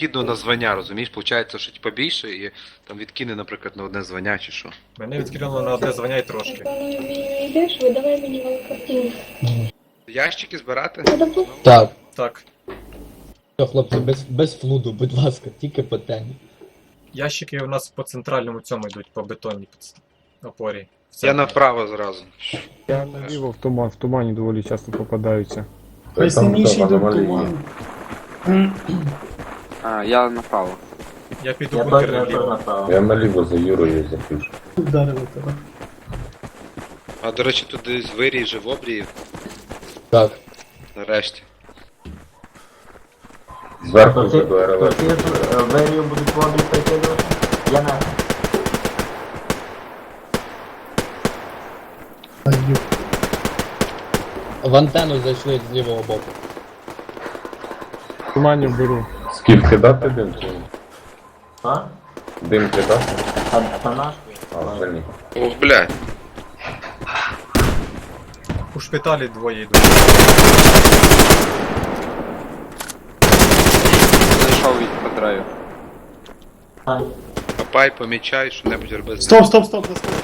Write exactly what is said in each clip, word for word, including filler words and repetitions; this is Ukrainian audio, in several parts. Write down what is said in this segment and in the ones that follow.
винахідну на звання, розумієш? Получається, що типа більше і там відкине, наприклад, на одне звання чи що. Мене відкинуло на одне звання і трошки. Коли мені йдеш, видавай мені великартину. Ящики збирати? Так. Так. Все, хлопці, без, без флуду, будь ласка, тільки по темі. Ящики у нас по центральному цьому йдуть, по бетонній під- опорі. В Я центрі. направо зразу. Я наліво в туман, в тумані доволі часто попадаються. Хай сильніший йде в туман. А, я направо. Я піду Я в бункер теж я наліво. направо. Я наліво за Юрою запишу. Вдарили тебе. А до речі, тут десь вирій вже в обрії, Так. нарешті. Зверху То вже ти, до то РЛС. ти е, верію будуть воду прикидувати? Я на... В антенну зайшли з лівого боку. В тумані беру. Скіф кидати дим чи ні? А? Дим кидати? Та, та наш? А, вже ні. Ох, блядь. У шпиталі двоє йдуть. Зайшов від Петрею. А, Копай, помічай, що-небудь роби. з Стоп, стоп, стоп, стоп.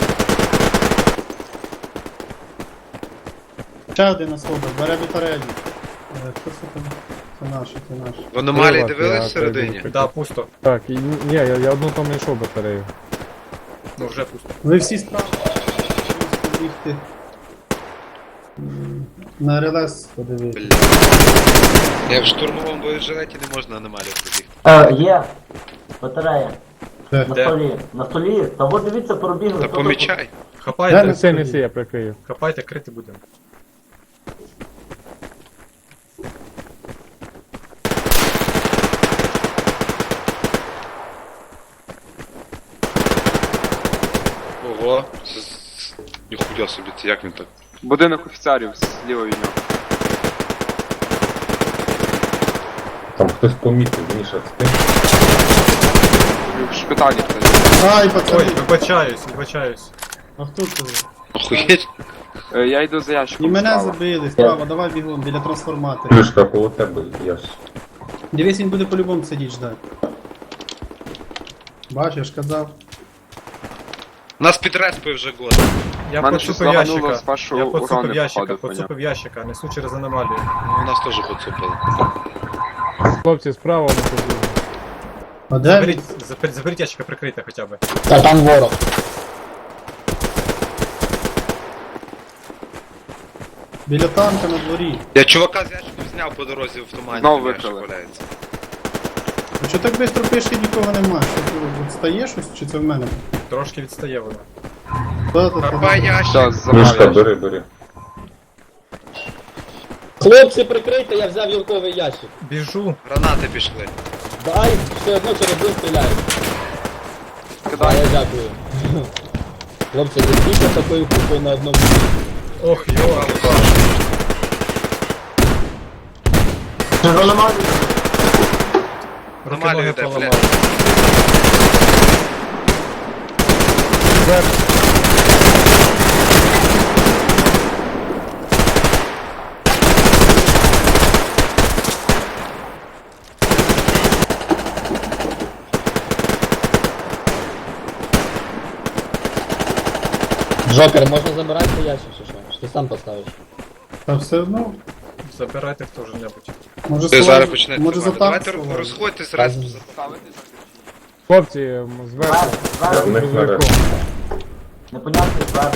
Ще один на слобо, бере до тарелі. Е, Хто це там? Це наш, це наш. В аномалії Прилад, дивились я всередині? перейду. Да, пусто. Так, і, ні, я, я одну там знайшов батарею. Ну вже пусто. Ви всі справа. Можете бігти. М, На РЛС подивитися. Блядь. Я в штурмовому боєжилеті не можна аномалію пробігти. Е, є. Батарея. Де? На Де? столі. На столі. Та от дивіться, пробігли. Та Хто тут? помічай. Хапайте, Неси, неси, я прикрию. хапайте, крити будемо. Ого. Це з- Ніхуя собі, це як він так? Будинок офіцерів зліва від нього. Там хтось помітив, Міша, з тим. В шпиталі хтось. Ай, Ой, пацани! вибачаюсь, вибачаюсь. А хто тут? Охуєть? Е, Я йду за ящиком. І мене справа. забили, справа, давай бігом, біля трансформатора. Плюшка коло тебе, я ж. Дивись, він буде по-любому сидіти ждати. Бачиш, я ж казав. Нас підреспив вже год. Я Мене щось поцупив лагануло ящика. з вашого Я поцупив урону, ящика, походу, поняв. поцупив ящика, несу через аномалію. Ну, нас теж поцупили. Хлопці, справа не побігли. А де Заберіть, він? заберіть, заберіть ящика прикрийте хоча б. Та там ворог. Біля танка на дворі. Я чувака з ящиком зняв по дорозі в тумані. Знову там ящик викрили. валяється. А що так швидко пише, нікого нема? Що ти відстає щось, чи це в мене? Трошки відстає воно. Та, та, та. Копай ящик. Все, забрав Мішка, ящик. бери, бери. Хлопці, прикрийте, я взяв юрковий ящик. Біжу. Гранати пішли. Дай, все одно через один стріляють. А, Кидай. я дякую. Хлопці, не стійте такою купою на одному. Ох, йо. Чи заламали? Руки Аномалію ноги йде, поламав. блядь. Джокер, можна забирати цей ящик чи що? Чи ти сам поставиш? Та все одно. Забирайте хто ж-небудь. Може Ти слайд- зараз почнете. Може за танк Давайте сховати? розходьтесь раз. Ставити Хлопці, м, зверху. Зверху, Я зверху. в них нарешті. Непонятний зверху.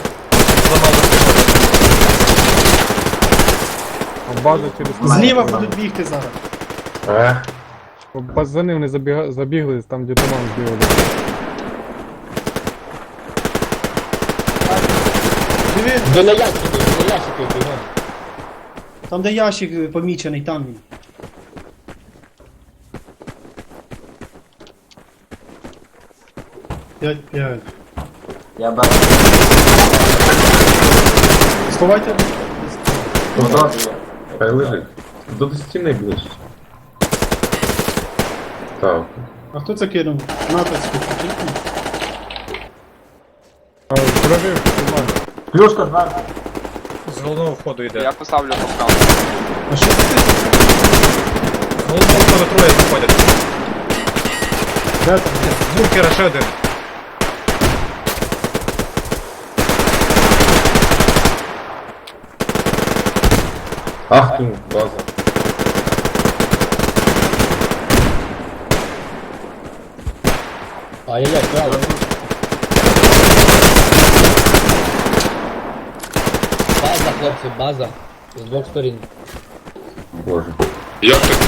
А база через Зліва будуть бігти зараз. Ех, Баз за ним не забіга... забігли, там де туман збігали. Диви, Біля ящиків, біля ящиків бігом. там де ящик е, помічений, там він. П'ять, п'ять. Я бачу. Сховайте. Тут добре є. хай лежить. До стіни ближче. Так. А хто це кинув? Натовську. А, Прожив туман. Плюшка зверху. З головного входу йде. Я поставлю попкам. А що це? З головного входу троє заходять. Де там? З бункера ще один. Ах ти, база. Ай-яй-яй, право. База, хлопці, база. З двох сторін. Боже. Як так?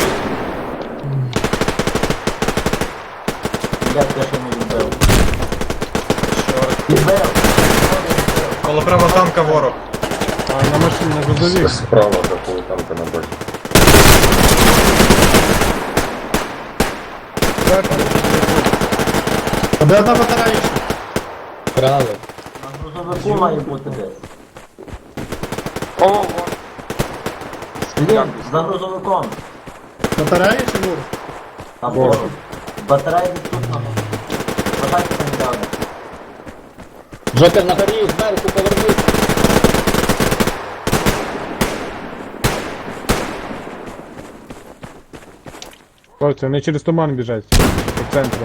Я теж не відбив. Чорт. Відбив! Коло прямо танка ворог. А на машині на грузовик. Справа такого танка на базі. А де одна батарея ще? Право. На грузовику має бути десь. О, о. Блін, за грузовиком. Батарея чи ворог? Там ворог. Батарея відсутна. Батарейка не дали. Джокер на горі, зверху, повернись. Хлопці, вони через туман біжать. По центру.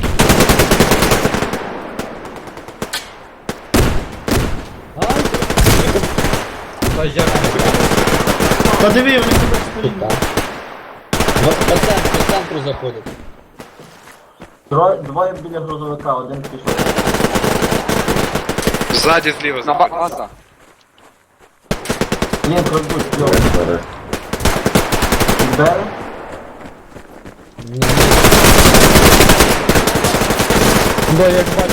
Ай, Та як не буде? Та диви, вони тебе стоїть. тут, так. В- По центру, по центру заходять. Троє, двоє біля грузовика, один пішов. Ззаді зліва. На ба- база. Ні, крадуть, йо. Зараз. Відбили? Ні, Да, як бачу,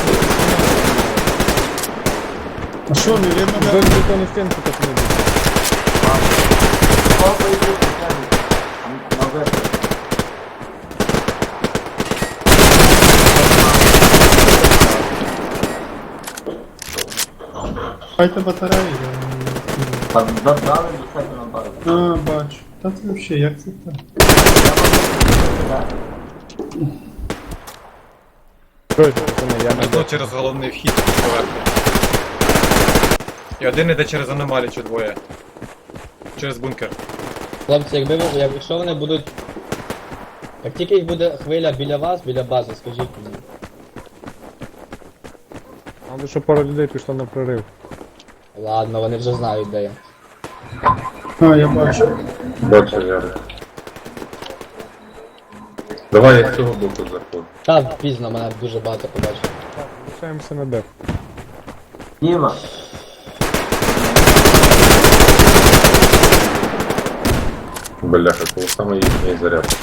А що, не видно, де? вдоль бетонну стінку так не буде. Сколько йдуть, на вихід. Хайте батареї. я не- Там додали до себе на базу. А, бачу. Та це взагалі, як це так? Так. Короче, пацани, я не Одно через головний вхід поверху. І один іде через аномалію чи двоє. Через бункер. хлопці, якби ви, як- якщо вони будуть... Як тільки їх буде хвиля біля вас, біля бази, скажіть мені. Надо, щоб пара людей пішло на прорив. Ладно, вони вже знають, де я. А, я бачу. Бачу, Ярик. Давай я з цього боку заходжу. Та пізно, мене дуже багато побачив. Лишаємося на деф. Діма, Бляха, коли саме їхній заряд.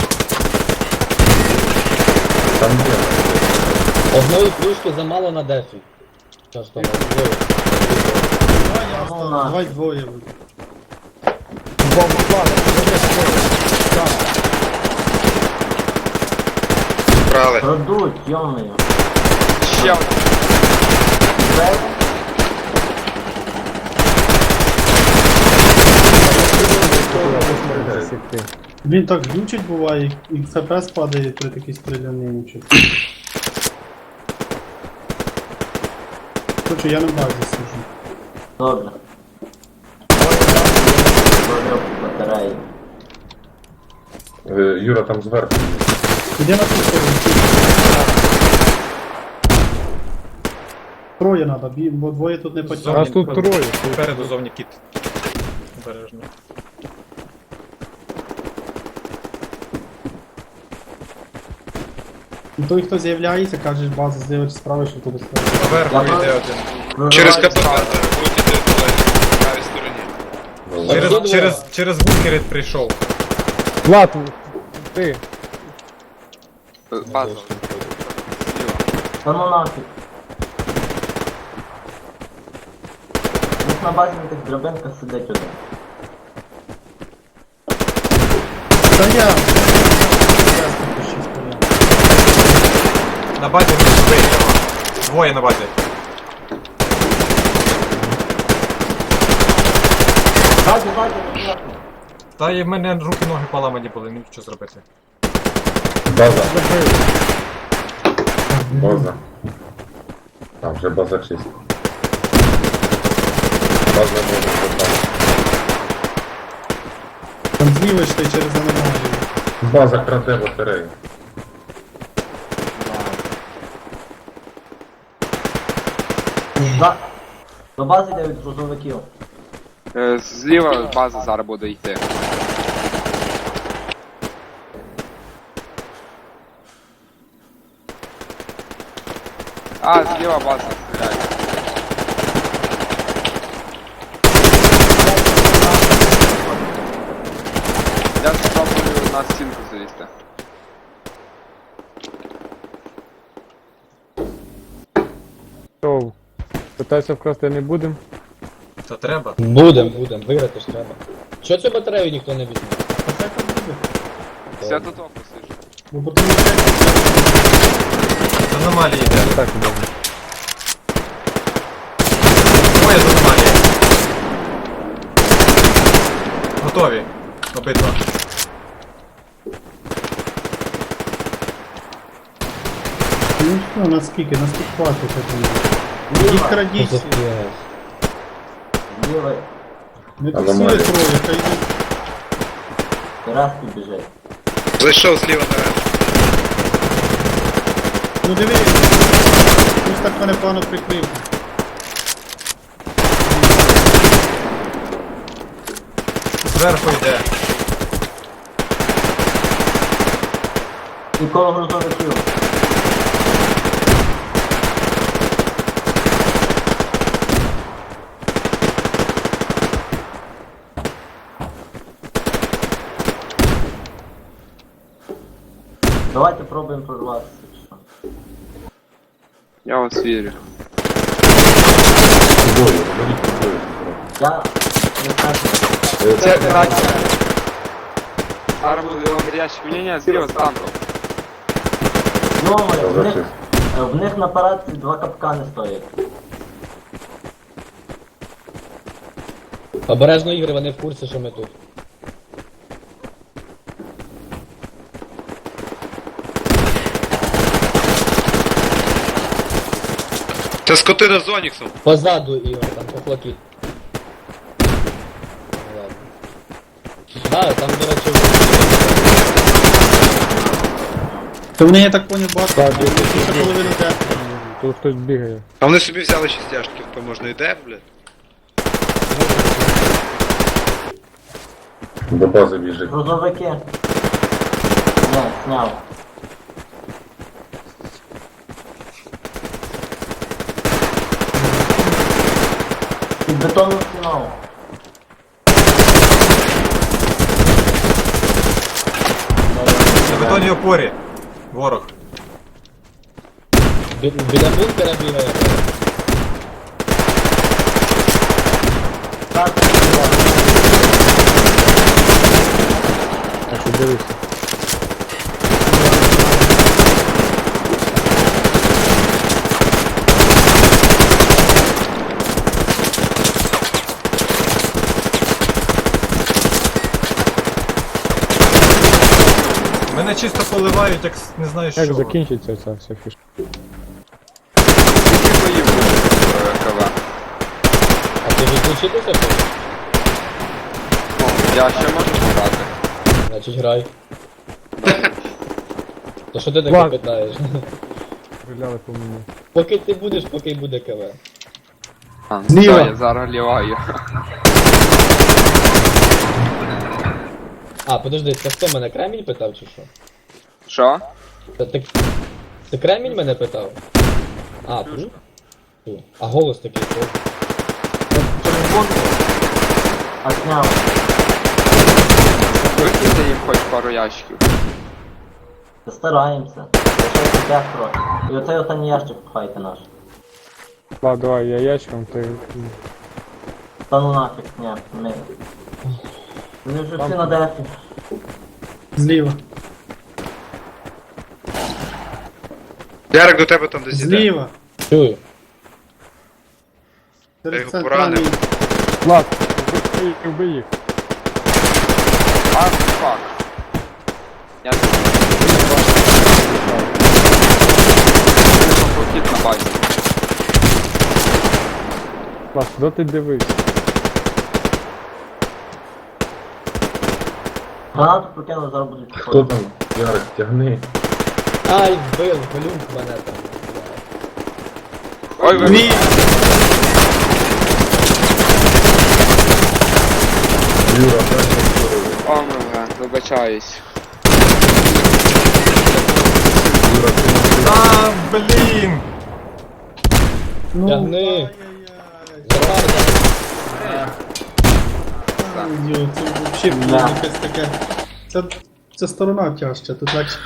Там є. Одної плюшки замало на дефі. Що ж там, двоє. Давай я Ну, остану, на. давай двоє буде. Брали. крадуть, йомою. Ще один. Відбив? Засікти. Він так глючить буває, і еф пі ес падає при такій стрілянні. Короче, я на базі сижу. Добре. Добре, батареї. Е, Юра, там зверху. Іди на ту сторону. Троє надо, бі- бо двоє тут не Нас потягнуть. тут троє. Попереду зовні кіт. Обережно. І той, хто з'являється, кажеш, база з'явиться справа, що туди стоїть. Поверху Я йде бачу. один. Через Вибивають КПП базу. будуть іти в правій стороні. Ну, Через, Обидва. через, через бункер прийшов. Влад, ти. Е, База. Зліва. Та ну нафіг. Десь на базі на тих драбинках сидить один. Та я. Я тут ще стояв. На базі не двоє. Двоє на базі. Базі, базі, базі. Та і в мене руки ноги поламані були, не міг що зробити. База. База. Там вже база чиста. База може там. Там зліва йшли через аномалію. База краде батарею. За... До бази йде від грузовиків. Е, Зліва база зараз буде йти. А, зліва база стріляє. Я спробую на стінку залізти. Що, питайся вкрасти не будемо? Та треба. Будем, будем, виграти ж треба. Чого цю батарею ніхто не візьме? Це там буде. Все тут опусиш. Бо потім ще З аномалії йде. Так, добре. Двоє з аномалії. Готові. Обидва. ну що, наскільки, наскільки хватить этого. Їх крадіть. всі. Зліва Не Аномалія. тусує троє, хай йдуть. Раски біжить. Зайшов зліва на Ну диви, ось так мене погано прикрив. Зверху йде. І коло грузовиків. Давайте пробуємо прорватися. що. Я вас вірю. Двоє, беріть двоє. Я не знаю. Е, Це краще. Зараз буде ящик. Ні, ні, зліва з танком. Ну, Та в них, вже е, в них на парадці два капкани стоять. Обережно ігри, вони в курсі, що ми тут. Це скотина з Оніксом. Позаду Ігор, там похлопіт. Ну, ладно. Да, там, до речі, То вони, я так поняв, багато. Так, Більше половини де. Тут хтось бігає. А вони собі взяли шістяшки, то можна йде, блядь. до бази біжить. Грузовики. Не, сняв. Під бетонну стіну. На бетонній опорі. Ворог. бі- біля бункера бігає. Так, Так, що дивися. Мене чисто поливають, як с- не знаю що. Як закінчиться ця вся фішка? Скільки боїв буде е, КВ? А ти відключитися хочеш? Ну, я ще можу пограти. Значить грай. То що ти таке Ладно. питаєш? Стріляли по мені. Поки ти будеш, поки й буде КВ. А, ну, Зліва. да, я зараз ліваю. А, подожди, це хто мене Кремінь питав чи що? Що? Та ти, ти Кремінь мене питав? А, тут? Тут. А голос такий. о. через бункер. А сняв. Викиньте їм хоч пару ящиків. Стараємося. Лишається п'ятеро. І оцей останній ящик пхайте наш. Ладно, давай, я ящиком, ти... Та ну нафіг, ні, ми. Вони вже всі на дефі. Зліва. Ярик до тебе там десь іде. Зліва. Чую. Я Серед його центральної. поранив. Влад, вбий їх, вбий їх. А, фак. Я похід на базі. Влад, куди ти дивишся? Гранату прокинув, зараз будуть Хто підходити. там? Ярик, тягни. Ай, вбив, глюк мене там. Ой, ви... Ні! Юра, дай мені здоров'я. О, мене, вибачаюсь. Юра, ти не А, блін! Ну, Тягни. ай-яй-яй. Захар, Ай, йо, це взагалі було якесь таке. Це, це сторона тяжча, тут легше